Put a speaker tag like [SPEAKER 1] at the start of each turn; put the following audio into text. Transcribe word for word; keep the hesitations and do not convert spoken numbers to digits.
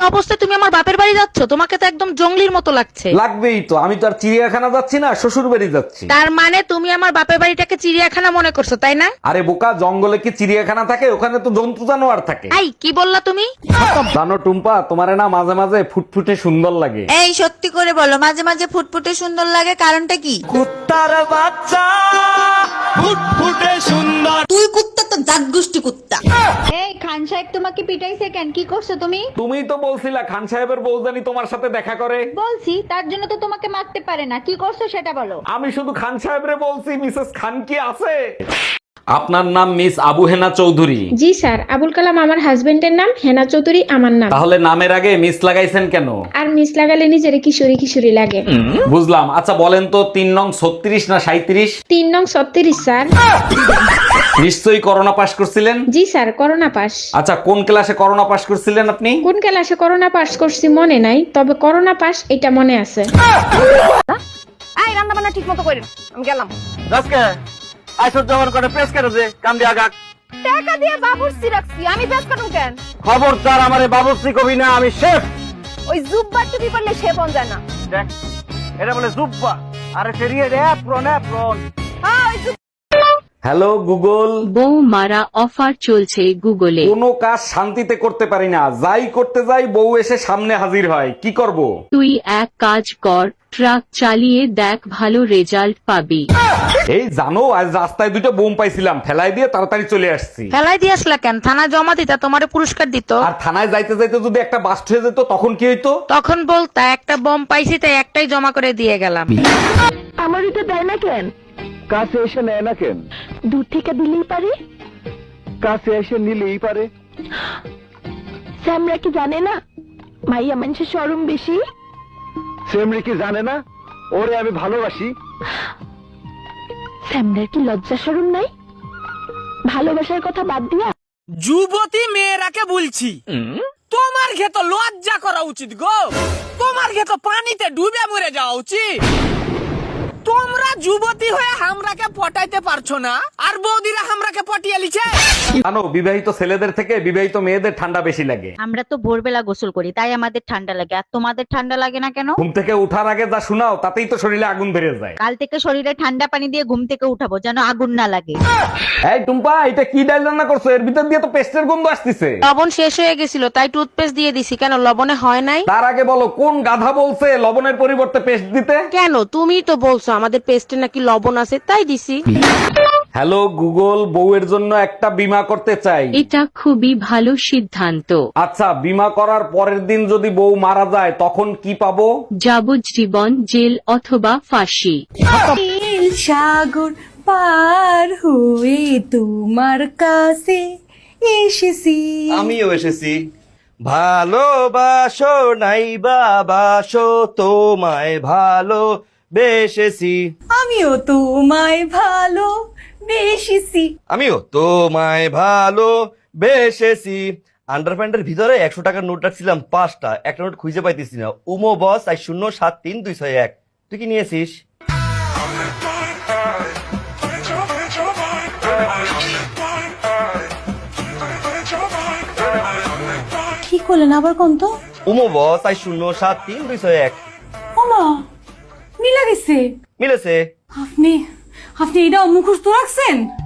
[SPEAKER 1] অবস্থায় তুমি আমার বাপের বাড়ি যাচ্ছ? তোমাকে তো একদম জঙ্গলির মতো লাগছে।
[SPEAKER 2] লাগবেই তো, আমি তো আর চিড়িয়াখানা যাচ্ছি না, শ্বশুর বাড়ি যাচ্ছি।
[SPEAKER 1] তার মানে তুমি আমার বাপের বাড়িটাকে চিড়িয়াখানা মনে করছো, তাই না?
[SPEAKER 2] আরে বোকা, জঙ্গলে কি চিড়িয়াখানা থাকে? ওখানে তো জন্তু জানোয়ার থাকে।
[SPEAKER 1] এই কি বললা তুমি?
[SPEAKER 2] জানো টুম্পা, তোমারে না মাঝে মাঝে ফুটফুটে সুন্দর লাগে।
[SPEAKER 3] এই সত্যি করে বলো, মাঝে মাঝে ফুটফুটে সুন্দর লাগে, কারণটা কি?
[SPEAKER 4] কুত্তার বাচ্চা ফুটফুটে সুন্দর।
[SPEAKER 3] তুই কুত্তা তো জাত গোষ্ঠী কুত্তা।
[SPEAKER 5] এই খান সাহেব তোমাকে পিটাইছে কেন? কি করছো তুমি?
[SPEAKER 2] তুমিই তো বলছিলা খান সাহেবের বউজানি তোমার সাথে দেখা করে।
[SPEAKER 5] বলছি, তার জন্য তো তোমাকে মারতে পারে না। কি করছো সেটা বলো।
[SPEAKER 2] আমি শুধু খান সাহেবরে বলছি, মিসেস খান কি আছে? আপনার নাম মিস আবু হেনা চৌধুরী?
[SPEAKER 6] জি স্যার, আবুল কালাম আমার হাজবেন্ডের নাম, হেনা চৌধুরী আমার নাম।
[SPEAKER 2] তাহলে নামের আগে মিস লাগাইছেন কেন?
[SPEAKER 6] আর মিস লাগালে নিজের কিশোরী কিশোরী লাগে।
[SPEAKER 2] বুঝলাম। আচ্ছা বলেন তো, তিন নং ছত্রিশ না সাঁইত্রিশ?
[SPEAKER 6] তিন নং ছত্রিশ স্যার।
[SPEAKER 2] নিশ্চয়ই করোনা পাস করছিলেন?
[SPEAKER 6] জি স্যার, করোনা পাস।
[SPEAKER 2] আচ্ছা কোন ক্লাসে করোনা পাস করছিলেন আপনি?
[SPEAKER 6] কোন ক্লাসে করোনা পাস করছি মনে নাই, তবে করোনা পাস এটা মনে আছে।
[SPEAKER 1] এই রান্না বান্না ঠিক মতো করেন, আমি গেলাম।
[SPEAKER 4] আজকে আইসর জমান করে প্রেস করে দে, কাম দিয়া গাক।
[SPEAKER 1] টাকা দিয়ে বাবুর্চি রাখছি, আমি বেশ কাটুম কেন?
[SPEAKER 4] খবরদার আমারে বাবুর্চি কবি না, আমি শেফ।
[SPEAKER 1] ওই জুব্বা টুপি পরলে সে বন যায় না।
[SPEAKER 4] দেখ, এটা বলে জুব্বা, আরে ফেরিয়ে রে প্রন প্রন।
[SPEAKER 1] হ্যাঁ ওই জুব্বা।
[SPEAKER 2] Hello Google.
[SPEAKER 7] বউ মারা অফার চলছে গুগলে।
[SPEAKER 2] কোনো কাজ শান্তিতে করতে পারি না, যাই করতে যাই বউ এসে সামনে হাজির হয়, কি করব?
[SPEAKER 7] তুই এক কাজ কর, ট্রাক চালিয়ে দেখ, ভালো রেজাল্ট পাবি।
[SPEAKER 2] এই জানো, আজ রাস্তায় দুটো বোম পাইছিলাম, ফেলাই দিয়ে তাড়াতাড়ি চলে আসছি।
[SPEAKER 1] ফেলাই দিয়ে আসলা কেন? থানায় জমা দিতা, তোমারে পুরস্কার দিত।
[SPEAKER 2] আর থানায় যাইতে যাইতে যদি একটা বাস্ট হয়ে যেত তখন কি হইতো?
[SPEAKER 1] তখন বলতা একটা বম পাইছি তাই একটাই জমা করে দিয়ে গেলাম।
[SPEAKER 5] আমার এটা দেয় না কেন?
[SPEAKER 4] কাছে এসে নেয় না কেন?
[SPEAKER 5] দূর থেকে দিলেই পারে।
[SPEAKER 4] কাছে এসে নিলেই পারে।
[SPEAKER 5] স্যামরা কি জানে না মাইয়া মানুষের শরম বেশি?
[SPEAKER 4] সেমরি কি জানে না ওরে আমি ভালোবাসি?
[SPEAKER 5] স্যামরার কি লজ্জা শরম নাই? ভালোবাসার কথা বাদ দিয়া
[SPEAKER 8] যুবতী মেয়েরাকে বলছি, তোমার ঘে তো লজ্জা করা উচিত গো। তোমার ঘে তো পানিতে ডুবে মরে যাওয়া উচিত। তোমরা যুবতী হয়ে হামরাকে পটাইতে পারছো না, আর বৌদিরা হামরাকে পটিয়ে লিছে।
[SPEAKER 2] জানো, বিবাহিত ছেলেদের থেকে বিবাহিত মেয়েদের ঠান্ডা বেশি লাগে।
[SPEAKER 9] আমরা তো ভোরবেলা গোসল করি, তাই আমাদের ঠান্ডা লাগে। আর তোমাদের ঠান্ডা লাগে না কেন?
[SPEAKER 2] ঘুম থেকে উঠার আগে যা শোনাও তাতেই তো শরীরে আগুন ধরে যায়।
[SPEAKER 9] কাল থেকে শরীরে ঠান্ডা পানি দিয়ে ঘুম থেকে উঠাবো, যেন আগুন না লাগে।
[SPEAKER 2] এই টুম্পা, এটা কি ডাল রান্না করছো? এর ভিতর দিয়ে তো পেস্টের গন্ধ আসতেছে।
[SPEAKER 1] লবণ শেষ হয়ে গেছিল তাই টুথপেস্ট দিয়ে দিছি। কেন, লবণে হয় নাই?
[SPEAKER 2] তার আগে বলো, কোন গাধা বলছে লবণের পরিবর্তে পেস্ট দিতে?
[SPEAKER 1] কেন, তুমি তো বলছো আমাদের পেস্টে নাকি লবণ আছে, তাই দিছি।
[SPEAKER 2] হ্যালো গুগল, বউয়ের জন্য একটা বীমা করতে চাই।
[SPEAKER 7] এটা খুবই ভালো সিদ্ধান্ত।
[SPEAKER 2] আচ্ছা, বীমা করার পরের দিন যদি বউ মারা যায় তখন কি পাবো?
[SPEAKER 7] যাবজ্জীবন জেল অথবা ফাঁসি।
[SPEAKER 3] সাগর পার হয়ে তোমার কাছে এসেছি।
[SPEAKER 4] আমিও এসেছি। ভালোবাসো নাই বাবাসো, তোমায় ভালো বেসেছি।
[SPEAKER 3] আমিও তোমায় ভালো বেসেছি।
[SPEAKER 4] আমিও তোমায় ভালো বেসেছি। আন্ডারপ্যান্টের ভিতরে একশো টাকার নোট রাখছিলাম পাঁচটা, একটা নোট খুঁজে পাইতেছি না। উমো বস আই শূন্য সাত তিন দুই ছয় এক। তুই কি নিয়েছিস?
[SPEAKER 3] কি করলেন আবার কোন তো?
[SPEAKER 4] উমো বস আই শূন্য সাত তিন দুই ছয় এক।
[SPEAKER 3] ওমা, মিলা গেছে।
[SPEAKER 4] মিলেছে।
[SPEAKER 3] আপনি আপনি এটা মুখস্থ রাখছেন?